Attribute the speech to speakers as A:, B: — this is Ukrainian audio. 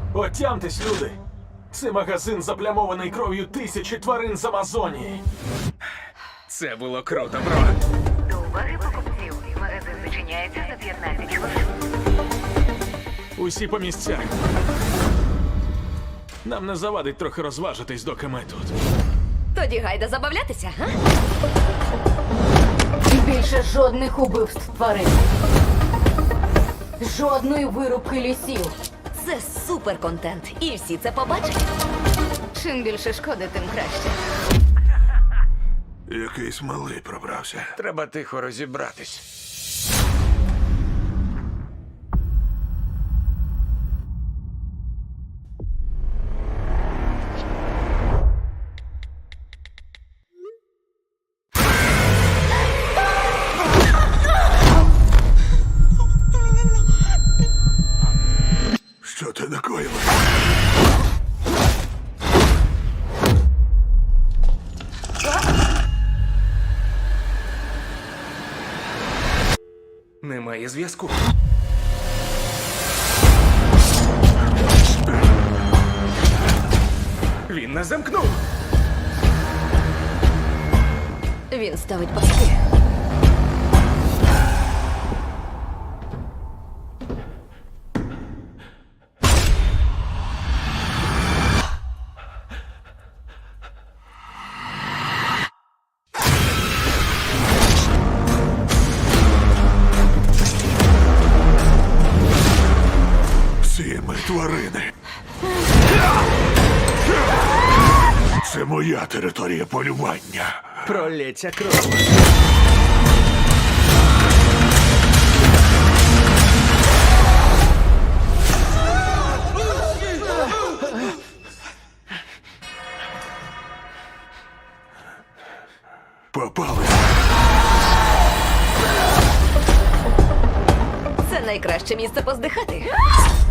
A: Отямтесь, люди! Це магазин, заплямований кров'ю тисячі тварин з Амазонії.
B: Це було круто, бро.
C: До уваги покупців. Магазин зачиняється за 15 хвилин.
A: Усі по місцях. Нам не завадить трохи розважитись, доки ми тут.
D: Тоді гайда забавлятися, га?
E: Більше жодних убивств тварин. Жодної вирубки лісів.
D: Це супер контент, і всі це побачать.
E: Чим більше шкоди, тим краще.
F: Якийсь малий пробрався.
B: Треба тихо розібратись.
F: Що ти накоїв?
B: Немає зв'язку. Він нас замкнув.
D: Він ставить паски.
F: Всі ми тварини. Це моя територія полювання.
B: Пролється кров.
F: Попали.
D: Це найкраще місце поздихати.